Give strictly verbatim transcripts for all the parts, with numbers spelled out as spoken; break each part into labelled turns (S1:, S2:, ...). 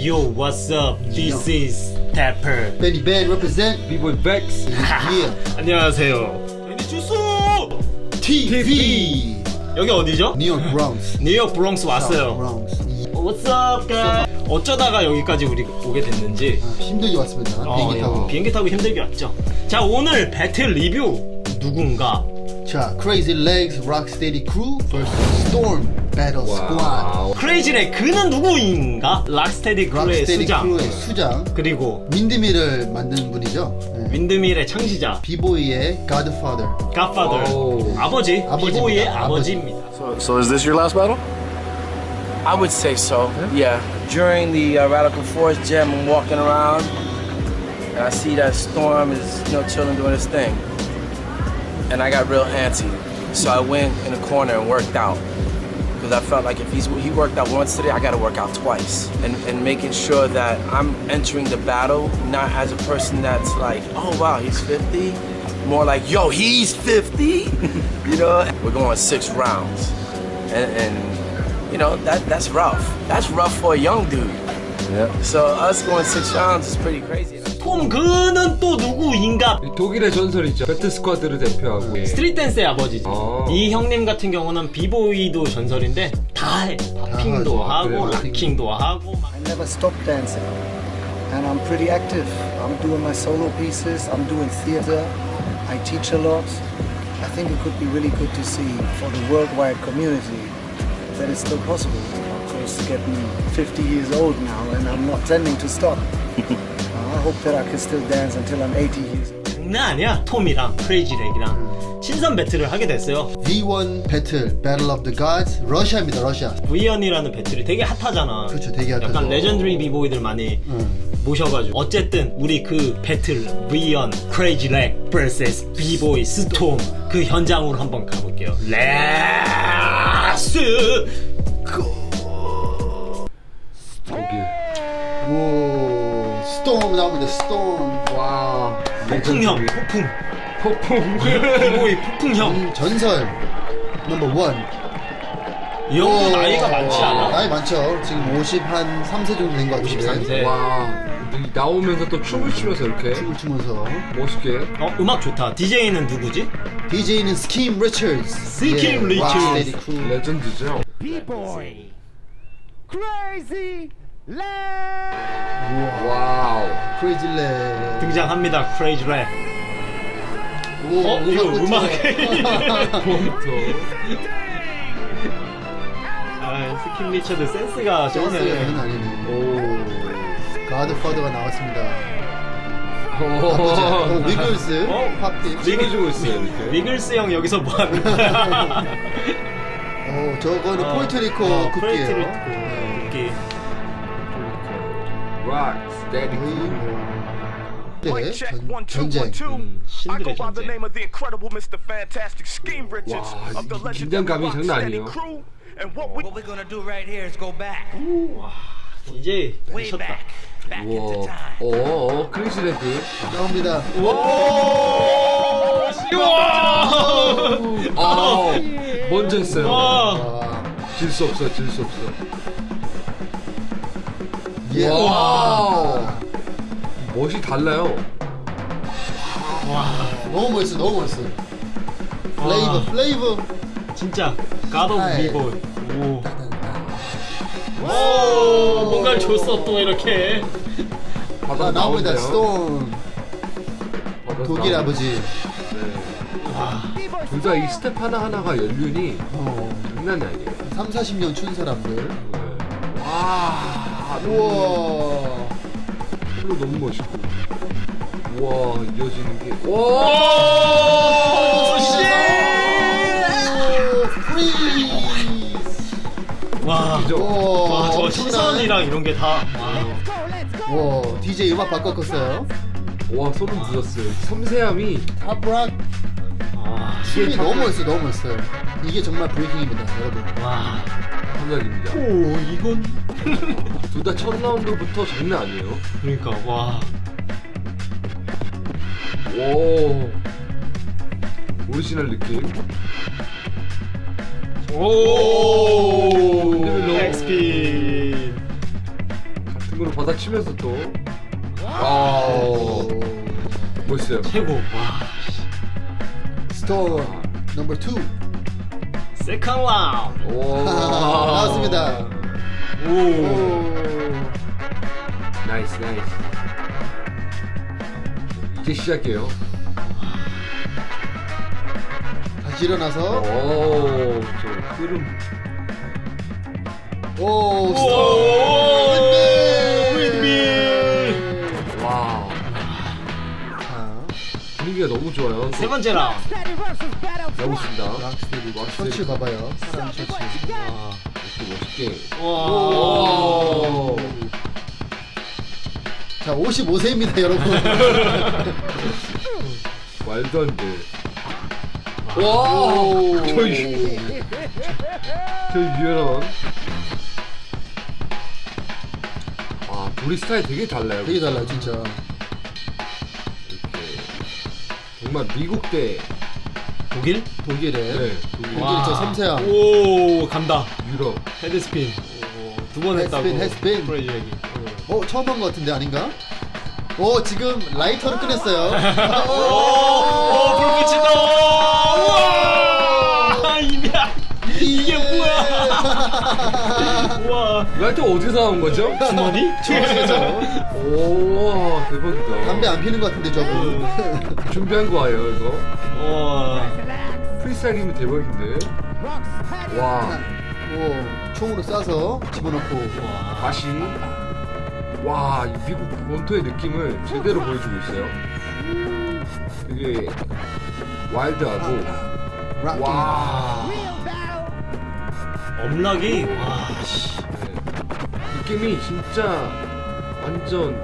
S1: Yo, what's up? This is Tapper.
S2: Benny Ben represent
S3: B-boy Vex.
S2: yeah.
S1: 안녕하세요. 애니 주소.
S2: 티비
S1: 여기 어디죠?
S2: 뉴욕 브롱스.
S1: 뉴욕 브롱스 왔어요.
S2: 브롱스.
S1: What's up, guys? 어쩌다가 여기까지 우리 오게 됐는지
S2: 힘들게 왔습니다.
S1: 어,
S2: 비행기 타고.
S1: 비행기 타고 힘들게 왔죠. 자, 오늘 배틀 리뷰 누군가?
S2: 자, Crazy Legs Rocksteady Crew vs Storm Battle Squad.
S1: 크레이지의 그는 누구인가? 락스테디 크루의
S2: Rocksteady
S1: 수장.
S2: Crew의 수장.
S1: 그리고
S2: 윈드밀을 만든 분이죠. 네.
S1: 윈드밀의 창시자.
S2: 비보이의 Godfather.
S1: 갓파더.
S3: 오.
S1: 아버지.
S2: 아버지입니다.
S1: 비보이의
S2: 아버지.
S1: 아버지입니다.
S4: So, so is this your last battle?
S5: I would say so, yeah. During the uh, Radical Force Jam, I'm walking around, and I see that Storm is, you know, chilling doing his thing. And I got real antsy. So I went in a corner and worked out. Because I felt like if he's, he worked out once today, I gotta work out twice. And, and making sure that I'm entering the battle not as a person that's like, oh wow, he's fifty. More like, yo, he's fifty. You know? We're going six rounds. And, and you know, that that's rough. That's rough for a young dude.
S4: Yeah.
S5: So us going six rounds is pretty crazy.
S1: 톰 그는 또 누구인가?
S3: 독일의 전설이죠. 배트 스쿼드를 대표하고.
S1: 스트릿 댄스의 아버지지.
S3: 아.
S1: 이 형님 같은 경우는 비보이도 전설인데 다 해. 팝핑도
S2: 다
S1: 하고
S3: 그래요?
S1: 락킹도 하고 막.
S6: I never stopped dancing, and I'm pretty active. I'm doing my solo pieces, I'm doing theater, I teach a lot. I think it could be really good to see for the worldwide community that it's still possible. Of course, getting fifty years old now, and I'm not tending to stop. I hope that I can still dance until I'm eighty years old.
S1: 장난 아니야. 톰이랑 크레이지 렉이랑 신선 배틀을 하게 됐어요.
S2: 브이 원 배틀 Battle of the Gods. 러시아입니다. 러시아.
S1: 브이 원이라는 배틀이 되게 핫하잖아.
S2: 그렇죠, 되게 핫하죠.
S1: 약간 레전드리 비보이들 많이
S2: 응.
S1: 모셔가지고 어쨌든 우리 그 배틀 브이 원 크레이지 렉 vs 비보이 스톰 그 현장으로 한번 가볼게요. 렛츠
S3: 독일.
S2: 오, 스톰 나옵니다. 스톰. 와.
S1: 폭풍형 폭풍
S3: 폭풍.
S1: 비보이 폭풍형.
S2: 음, 전설 넘버 원.
S1: 이 형도 나이가 많지 않아?
S2: 나이 많죠. 지금 오십삼 세 정도 된 것 같은데.
S1: 오십삼 세.
S3: 와. 나오면서 또 춤을 추면서 이렇게
S2: 춤을 추면서.
S3: 멋있게.
S1: 어, 음악 좋다. 디제이는 누구지?
S2: 디제이는 스킴 리처즈.
S1: 스킴 리처즈.
S3: 레전드죠. 와우.
S2: 크레이지 렉.
S1: 등장합니다. 크레이지 렉.
S2: 오,
S1: 어? 이거 음악.
S3: 몬터.
S1: 아, 스킴 리처드 센스가
S2: 센스가
S1: 쩌네.
S2: 장난 아니네.
S3: 오.
S2: 가드파더가 나왔습니다.
S3: 오.
S2: 어, 위글스.
S1: 어?
S2: 팝팀.
S3: 찍어주고 있어요 이렇게.
S1: 위글스 형 여기서 뭐 하는 거야?
S2: 어, 저거는
S1: 어,
S2: 포르토리코
S1: 어,
S2: 국기예요.
S1: 포르토리코
S2: 네.
S1: 국기.
S3: 락 스테디.
S2: 네, 전, 전쟁.
S1: 음,
S7: I
S1: 신들의
S7: go by the
S1: 전쟁.
S7: name of the incredible Mister Fantastic Scheme Richards
S3: Wow,
S7: of the
S3: 이
S7: legendary
S3: 긴장감이 장난
S7: Rocksteady
S3: 아니에요.
S7: Crew. And what we
S8: What we're gonna do right here is go back,
S1: 이제
S8: way
S1: 미쳤다.
S8: back, back into
S3: 와.
S8: time.
S3: 어, 크리스 레드.
S2: 나옵니다.
S3: 아, 먼저 했어요.
S1: 와.
S2: 와.
S3: 질 수 없어, 질 수 없어.
S2: 예.
S3: 와. 멋이 달라요.
S2: 너무 멋있어, 너무 멋있어. 플레이버, 플레이버.
S1: 진짜 God of
S2: 아이.
S1: Evil. 오. 오, 뭔가를 줬어 또 이렇게.
S3: 바다
S2: 아, 나옵니다.
S3: 나오네요.
S2: 스톰.
S3: 바다
S2: 독일
S3: 나오네.
S2: 아버지.
S3: 둘 다 이 스텝 하나하나가 연륜이
S2: 어,
S3: 장난이 아니에요.
S2: 삼, 사십 년 춘 사람들.
S3: 네. 와.
S2: 우와.
S3: 플로 너무 멋있고. 우와, 이어지는 게. 와!
S1: 오, 씨.
S2: 프리즈.
S1: 와.
S3: 이죠?
S1: 와, 저
S2: 엄청난-
S1: 시선이랑 이런 게 다.
S2: 와, 디제이 음악 바꿨었어요.
S3: 와, 소름 돋았어요. 섬세함이.
S2: 탑락.
S1: 와.
S2: 춤이 너무 멋있어, 너무 멋있어요. 이게 정말 브레이킹입니다, 여러분.
S1: 와.
S3: 감각입니다.
S1: 오, 이건.
S3: 둘 다 첫 라운드부터 장난 아니에요.
S1: 그러니까 와.
S3: 오. 오리지널 느낌.
S1: 오.
S3: 레벨로.
S1: 엑스피.
S3: 같은 걸로 바닥 치면서 또. 아, 멋있어요.
S1: 최고. 와.
S2: 스톰 넘버 투
S1: 세컨 라운드.
S3: 오.
S2: 나왔습니다.
S1: 오.
S2: 오.
S3: 나이스, 나이스. 이제 시작해요.
S2: 다시 일어나서
S3: 오, 저 흐름.
S2: 오
S1: 오.
S2: 스톰
S1: 윈미.
S3: 와,
S2: 자
S3: 분위기가 너무 좋아요.
S1: 세 번째 라운드.
S3: 가고 있습니다.
S2: 락스테디
S3: 락스테디.
S2: 셔츠 봐봐요. 사람 셔츠.
S1: 와.
S3: 이렇게 멋있게.
S1: 와.
S3: 오.
S2: 자 오십오 세입니다 여러분.
S3: 말도 안 돼. 와, 저희 저희 유연원. 아, 우리 스타일 되게 달라요.
S2: 되게 달라요 진짜.
S3: 이렇게 정말 미국 대
S2: 독일? 독일에
S3: 네, 독일,
S2: 독일 저 섬세함.
S1: 오, 간다.
S3: 유럽.
S1: 헤드스핀. 두 번 했다고.
S2: 헤드스핀, 헤드스핀.
S1: 프레이즈 얘기.
S2: 어 처음 한 것 같은데 아닌가? 오 지금 라이터를 꺼냈어요.
S1: 오, 오, 불 붙인다. 우와! 이야, 이게 뭐야? 우와.
S3: 라이터 어디서 나온 거죠?
S1: 주머니?
S3: 오, 대박이다.
S2: 담배 안 피는 것 같은데 저분.
S3: 준비한 거예요 이거.
S1: 우와.
S3: 프리스타일이면 대박인데. 와,
S2: 오 총으로 쏴서 집어넣고.
S1: 우와.
S3: 다시. 와, 이 미국 원토의 느낌을 제대로 보여주고 있어요. 되게 와일드하고.
S2: 락킹.
S3: 와,
S1: 엄락이 와. 씨.
S3: 네. 느낌이 진짜 완전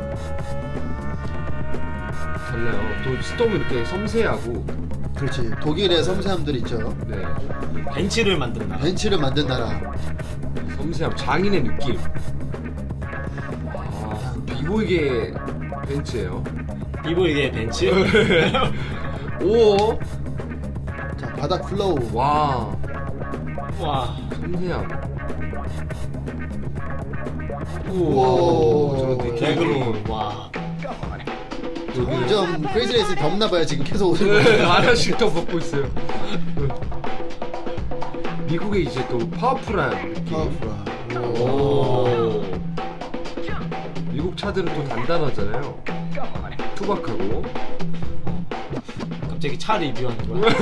S3: 달라요. 또 스톰은 이렇게 섬세하고.
S2: 그렇지. 독일의 섬세함들 있죠.
S3: 네,
S1: 벤치를 만든다.
S2: 벤치를 만든 나라.
S3: 섬세함, 장인의 느낌. 아, 비보이게 벤츠예요.
S1: 비보이의 벤치.
S3: 오,
S2: 자 바닥 플로우.
S3: 와,
S1: 와.
S3: 섬세함.
S2: 오.
S3: 저런 되게
S1: 개그로. 와.
S2: 점점 크레이지레이스 덥나봐요 지금 계속 오는
S3: 네,
S2: 거.
S3: 하나씩 더 먹고 있어요. 미국에 이제 또 파워풀한 느낌.
S2: 파워풀한.
S3: 오. 미국 차들은 또 단단하잖아요. 투박하고.
S1: 갑자기 차 리뷰하는 거야?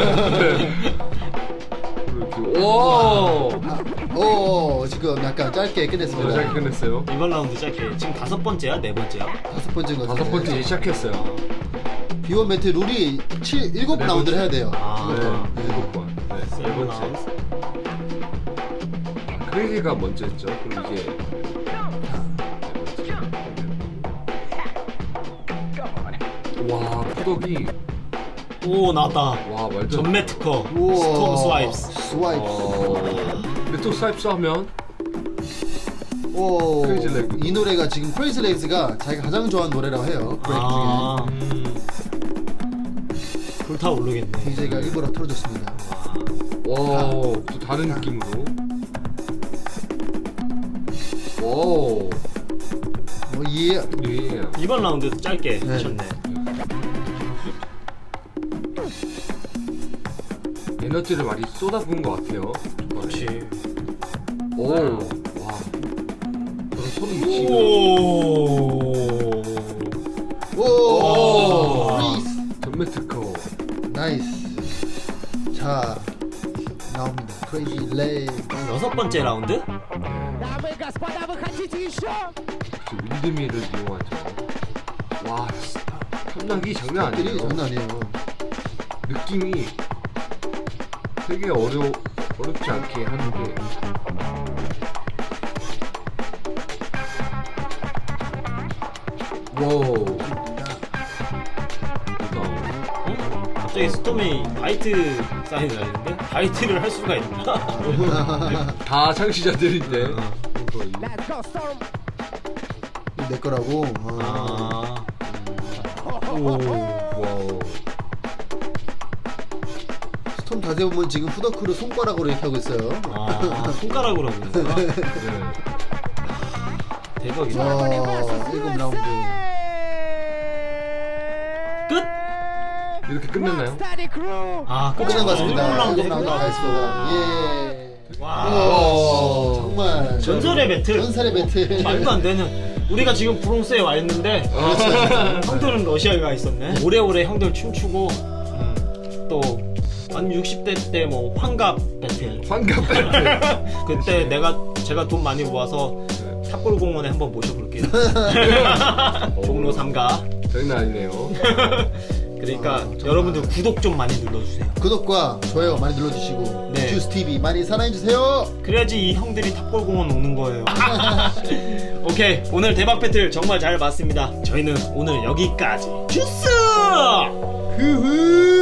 S3: 이렇게. 오.
S2: 오 지금 약간 짧게
S3: 잘
S2: 끝냈습니다.
S3: 끝냈어요.
S1: 이번 라운드 짧게. 지금 다섯 번째야? 네 번째야?
S2: 다섯 번째인 것 같은데.
S3: 다섯 번째 이제 시작했어요.
S2: 비원 매트 룰이 칠 일곱
S3: 네
S2: 라운드를
S3: 번째.
S2: 해야 돼요.
S1: 아.
S3: 네, 일곱 번. 네, 네
S1: 세븐
S3: 번째.
S1: 라운드.
S3: 아, 크레이지가 먼저였죠. 그럼 이제. 와, 푸덕이.
S1: 오, 나왔다.
S3: 와, 말도.
S1: 전매 특허.
S2: 우와.
S1: 스톰 스와이프스.
S2: 스와이프.
S3: 어. 근데 또 스와이프스 하면.
S2: 오.
S3: 크레이지 레그.
S2: 이 노래가 지금 크레이지 레이즈가 자기가 가장 좋아하는 노래라고 해요. 브레이크
S1: 아,
S2: 중에.
S1: 음. 불타오르겠네.
S2: 디제이가 일부러 틀어줬습니다.
S3: 와, 또 다른 느낌으로. 오,
S2: 뭐 예.
S3: 예.
S1: 이번 라운드도 짧게
S2: 네.
S1: 하셨네.
S3: 에너지를 많이 쏟아부은 것 같아요.
S1: 그렇지.
S3: 오, 와. 저런 소름 미치고.
S1: 오.
S2: 오.
S3: 오.
S2: 프리스.
S3: 전매 특허.
S2: 나이스. 자 나옵니다. 크레이지 레이즈.
S1: 여섯 번째 라운드?
S3: 저 윈드밀을 이용하죠. 와, 탐나기 장난
S2: 들이
S3: 아니에요.
S2: 장난 아니에요.
S3: 느낌이 되게 어려 어렵지 않게 하는데. 와우.
S1: 어? 갑자기 스톰이 바이트 사인을 하는데? 바이트를 할 수가 있나?
S3: 다 창시자들인데. 거의.
S2: 내 거라고.
S1: 아.
S2: 아.
S1: 오.
S3: 와우.
S2: 스톰 자세히 보면 지금 푸더크를 손가락으로 이렇게 하고 있어요.
S1: 아, 손가락으로 하고 있는 거야?
S3: 네.
S1: 대박이다.
S2: 와, 일곱 라운드.
S1: 끝?
S3: 이렇게 끝냈나요?
S1: 아
S2: 끝난 것 같습니다.
S1: 일곱 라운드
S2: 일곱 라운드 다 했습니다. 예.
S1: 와
S2: 오, 정말
S1: 전설의 배틀.
S2: 전설의 배틀.
S1: 말도 안 되는. 우리가 지금 브롱스에 와 있는데 형들은 러시아에 가 있었네. 오래오래 형들 춤추고 음, 또 한 육십 대 때 뭐 환갑 배틀.
S3: 환갑 배틀.
S1: 그때 내가 제가 돈 많이 모아서 탑골공원에 한번 모셔볼게요. 종로 삼가.
S3: 장난 아니네요.
S1: 그러니까
S2: 아, 정말.
S1: 여러분들 구독 좀 많이 눌러주세요.
S2: 구독과 좋아요 많이 눌러주시고
S1: 네.
S2: 주스티비 많이 사랑해주세요.
S1: 그래야지 이 형들이 탑골공원 오는 거예요. 오케이, 오늘 대박 배틀 정말 잘 봤습니다. 저희는 오늘 여기까지. 주스!
S2: 흐흐.